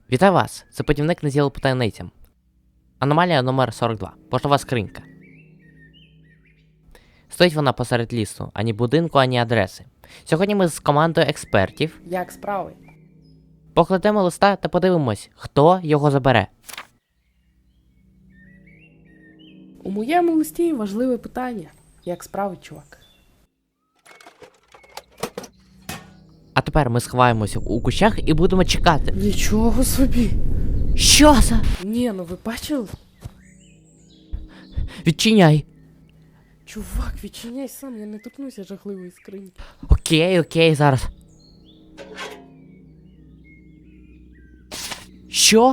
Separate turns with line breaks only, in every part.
Вітаю вас! Це путівник на зіло по таємницям. Аномалія номер 42. Поштова скринька. Стоїть вона посеред лісу, ані будинку, ані адреси. Сьогодні ми з командою експертів
Як справи?
покладемо листа та подивимось, хто його забере.
У моєму листі важливе питання. Як справи, чувак?
А тепер ми сховаємося у кущах і будемо чекати.
Нічого собі.
Що за?
Ні, ну ви бачили?
Відчиняй.
Чувак, відчиняй сам, я не торкнуся жахливої скриньки.
Окей, зараз. Що?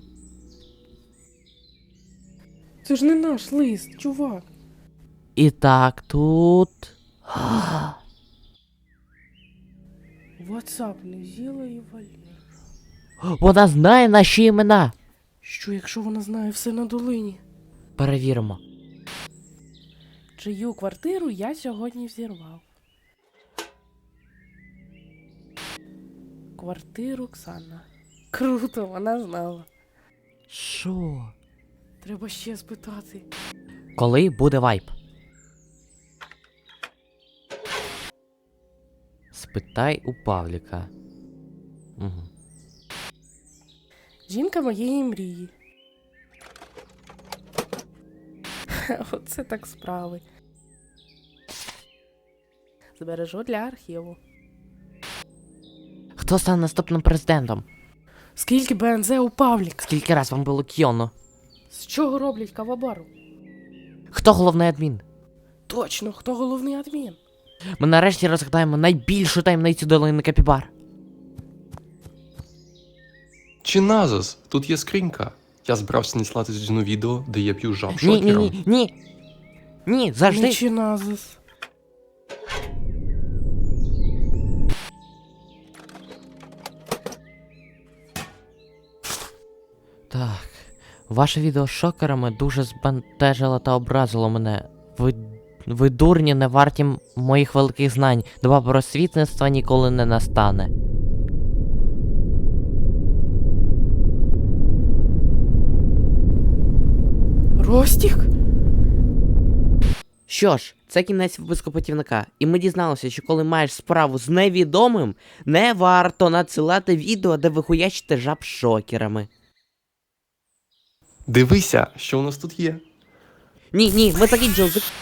Це ж не наш лист, чувак.
І так, тут...
WhatsApp, Незіла і Валера.
Вона знає наші імена.
Що, якщо вона знає все на долині?
Перевіримо.
Чию квартиру я сьогодні взірвав? Квартиру Оксана. Круто, вона знала.
Що?
Треба ще спитати.
Коли буде вайп? Спитай у Павліка. Угу.
Жінка моєї мрії. Оце так справи. Збережу для архіву.
Хто стане наступним президентом?
Скільки БНЗ у Павліка?
Скільки раз вам було кіоно?
З чого роблять кавабару?
Хто головний адмін?
Точно, хто головний адмін?
Ми нарешті розгадаємо найбільшу таємницю долини Капібар.
Чи назас? Тут є скринька. Я збирався надіслати Дзюну відео, де я п'ю жаб
Ні,
шокером.
Ні, завжди.
Нічиназис.
Так, ваше відео з шокерами дуже збентежило та образило мене. Ви дурні, не варті моїх великих знань. Доба просвітництва ніколи не настане.
Ростік?
Що ж, це кінець випуску путівника, і ми дізналися, що коли маєш справу з невідомим, не варто надсилати відео, де ви хуячите жаб шокерами.
Дивися, що у нас тут є.
Ні, ми закінчили.